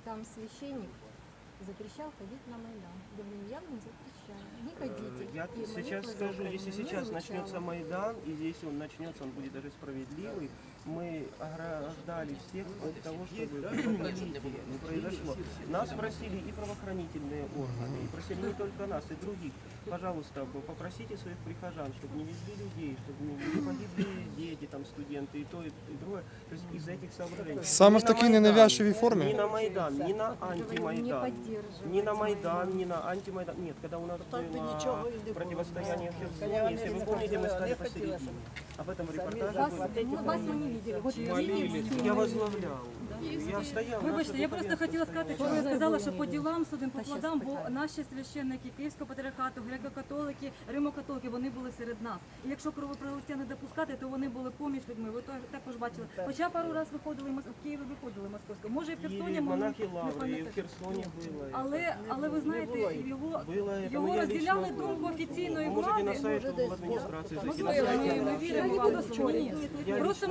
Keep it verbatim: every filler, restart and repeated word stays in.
там священник запрещал ходить на Майдан. Говорим, я вам запрещаю, не ходите. Я И сейчас молитва скажу, за если Украину сейчас не начнется звучала. Майдан, и здесь он начнется, он будет даже справедливый, мы ограждали всех от того, чтобы кровопролитие не произошло. Нас просили и правоохранительные органы, и просили не только нас, и других. Пожалуйста, попросите своих прихожан, чтобы не везли людей, чтобы не не погибли дети, там, студенты, и то, и другое. То есть из этих соображений. Саме Ни в на такій Майдан, ненавязчивій Ни формі? на Майдан, ни на Не антимайдан. поддерживать Ни на Майдан, Майдан. ни на антимайдан. Нет, когда у нас Так би было нічого і не було. противостояние в Херсоне, Я если вы не помните, мы хотіла, стали не хотіла, посередине. щоб Об этом репортаже Вас, было. мы, вас мы не видели. Вот Молились. Я возглавлял. Я стоял. Вибачте, наше я просто духовенство хотіла сказати, що стояло. ви сказали, що по ділам судимо по Та щас плодам, бо питаю. наші священники Київського патріархату, греко-католики, римо-католики, вони були серед нас. І якщо кровопролиття не допускати, то вони були поміж людьми. Ви то- також бачили. Хоча пару разів виходили в Києві, виходили московського. Може і в Херсоні, Киеве, може, монахи не Лавры, и в пам'ятаю. Херсоне было. это. Але, але ви знаєте, його, Было это, його ну, я розділяли лично был. думку офіційної Вы можете на влади. сайт в администрации зайти. на Можливо, сайт ми, ми Лавры. віримо вам. Ні. Я Просто